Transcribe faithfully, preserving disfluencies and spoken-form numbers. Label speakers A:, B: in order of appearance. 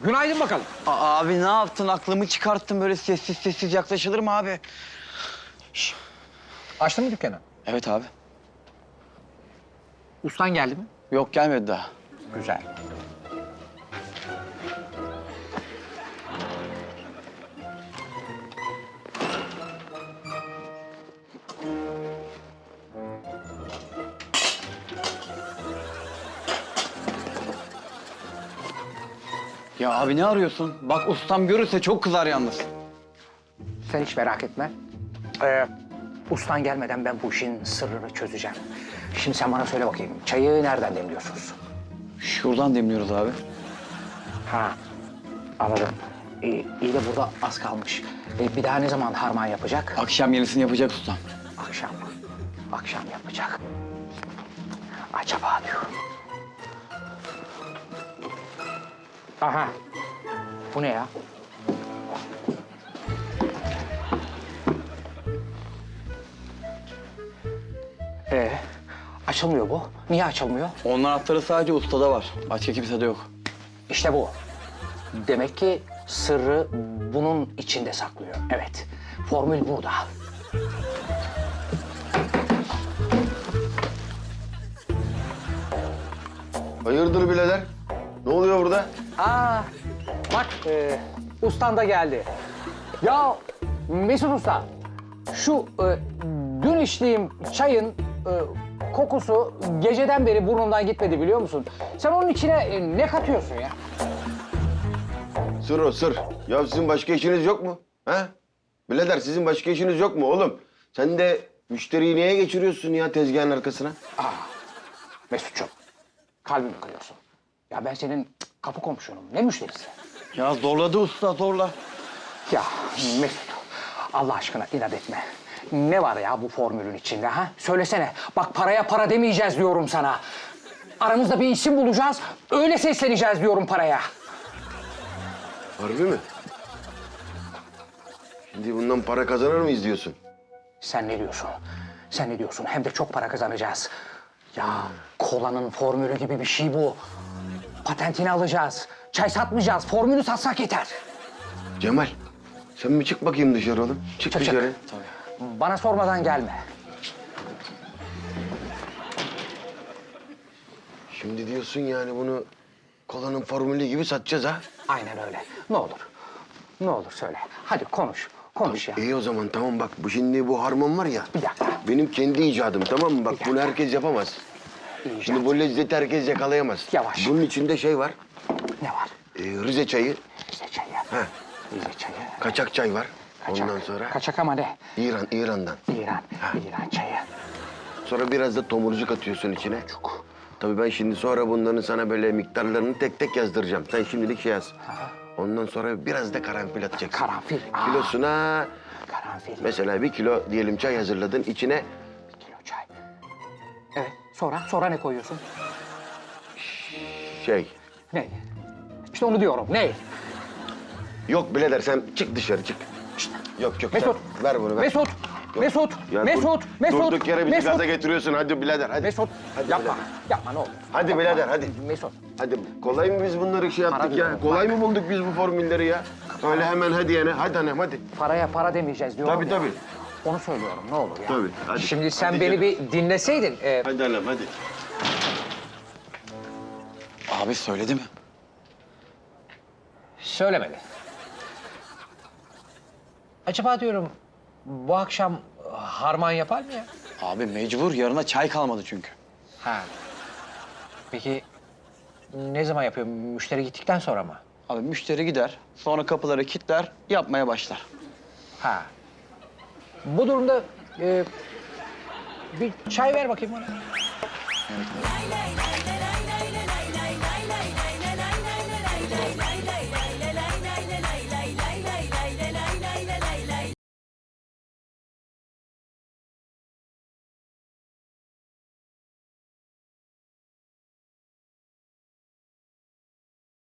A: Günaydın bakalım.
B: Aa, abi ne yaptın? Aklımı çıkarttın. Böyle sessiz sessiz yaklaşılır mı abi?
A: Şş. Açtın mı dükkanı?
B: Evet abi.
A: Ustan geldi mi?
B: Yok gelmedi daha.
A: Güzel.
B: Ya abi ne arıyorsun? Bak ustam görürse çok kızar yalnız.
A: Sen hiç merak etme. Ee, ustan gelmeden ben bu işin sırrını çözeceğim. Şimdi sen bana söyle bakayım, çayı nereden demliyorsunuz?
B: Şuradan demliyoruz abi.
A: Ha, anladım. Ee, iyi de burada az kalmış. Ee, bir daha ne zaman harman yapacak?
B: Akşam yenisini yapacak ustam.
A: Akşam. Akşam yapacak. Acaba diyorum. Aha. Bu ne ya? Ee, açılmıyor bu. Niye açılmıyor?
B: Onun anahtarı sadece ustada var. Başka kimsede yok.
A: İşte bu. Demek ki sırrı bunun içinde saklıyor. Evet. Formül burada.
C: Hayırdır birader? Ne oluyor burada?
A: Aa, bak e, ustan da geldi. Ya Mesut Usta, şu e, dün içtiğim çayın e, kokusu geceden beri burnumdan gitmedi biliyor musun? Sen onun içine e, ne katıyorsun ya?
C: Sır o sır. Ya sizin başka işiniz yok mu? Ha? Birader sizin başka işiniz yok mu oğlum? Sen de müşteriyi niye geçiriyorsun ya tezgahın arkasına?
A: Mesut'cum, kalbimi kırıyorsun. Ya ben senin cık, kapı komşunum, ne müşterisi?
B: Ya zorladı usta zorla.
A: Ya Mesut, Allah aşkına inat etme. Ne var ya bu formülün içinde ha? Söylesene. Bak paraya para demeyeceğiz diyorum sana. Aramızda bir isim bulacağız, öyle sesleneceğiz diyorum paraya.
C: Harbi mi? Şimdi bundan para kazanır mıyız diyorsun?
A: Sen ne diyorsun? Sen ne diyorsun? Hem de çok para kazanacağız. Ya kolanın formülü gibi bir şey bu. Patentini alacağız. Çay satmayacağız, formülü satsak yeter.
C: Cemal, sen bir çık bakayım dışarı oğlum. Çık,
A: Çık, çık.
C: dışarı.
A: Bana sormadan gelme.
C: Şimdi diyorsun yani bunu kolanın formülü gibi satacağız ha?
A: Aynen öyle. Ne olur. Ne olur söyle. Hadi konuş. Konuş ya.
C: İyi o zaman tamam bak bu şimdi bu harman var ya.
A: Bir dakika.
C: Benim kendi icadım tamam mı? Bak
A: Bir
C: bunu
A: dakika.
C: herkes yapamaz.
A: İyice.
C: Şimdi bu lezzeti herkes yakalayamaz.
A: Yavaş.
C: Bunun içinde şey var.
A: Ne var?
C: e, Rize çayı,
A: Rize çayı.
C: ha,
A: Rize çayı.
C: kaçak çay var.
A: Kaçak.
C: Ondan sonra
A: Kaçak ama ne?
C: İran, İran'dan.
A: İran. İran çayı.
C: Sonra biraz da tomurcuk atıyorsun içine.
A: Çok.
C: Tabii ben şimdi sonra bunların sana böyle miktarlarını tek tek yazdıracağım. Sen şimdilik şey yaz. Ondan sonra biraz da karanfil atacaksın.
A: Karanfil. Aa.
C: Kilosuna
A: Karanfil.
C: mesela bir kilo diyelim çay hazırladın. İçine
A: Bir kilo çay. Evet. Sonra? Sonra ne koyuyorsun?
C: şey...
A: Ne? İşte onu diyorum. Ne?
C: Yok birader sen çık dışarı çık. Yok yok
A: Mesut.
C: sen ver bunu ver.
A: Mesut. Mesut.
C: Ya dur-
A: Mesut. Mesut.
C: Durduk yere bizi
A: Mesut.
C: gaza getiriyorsun. Hadi birader hadi.
A: Mesut.
C: Hadi
A: Yapma.
C: birader.
A: Yapma ne olur.
C: Hadi
A: Yapma.
C: birader hadi.
A: Mesut.
C: Hadi kolay mı biz bunları şey
A: Para
C: yaptık ya?
A: diyorum,
C: Kolay
A: bak.
C: mı bulduk biz bu formülleri ya? Öyle hemen hadi yani. Hadi annem hadi.
A: Paraya para demeyeceğiz diyorum
C: Tabii
A: ya.
C: tabii.
A: Onu söylüyorum ne olur ya.
C: Tabii, hadi.
A: Şimdi sen
C: Hadi
A: beni
C: canım.
A: bir dinleseydin. e,
C: Hadi annem hadi.
B: Abi söyledi mi?
A: Söylemedi. Acaba diyorum bu akşam harman yapar mı ya?
B: Abi mecbur. Yarına çay kalmadı çünkü.
A: Ha. Peki ne zaman yapıyor? Müşteri gittikten sonra mı?
B: Abi müşteri gider. Sonra kapıları kilitler. Yapmaya başlar.
A: Ha. Bu durumda e, bir çay ver bakayım bana.
D: Lay lay lay lay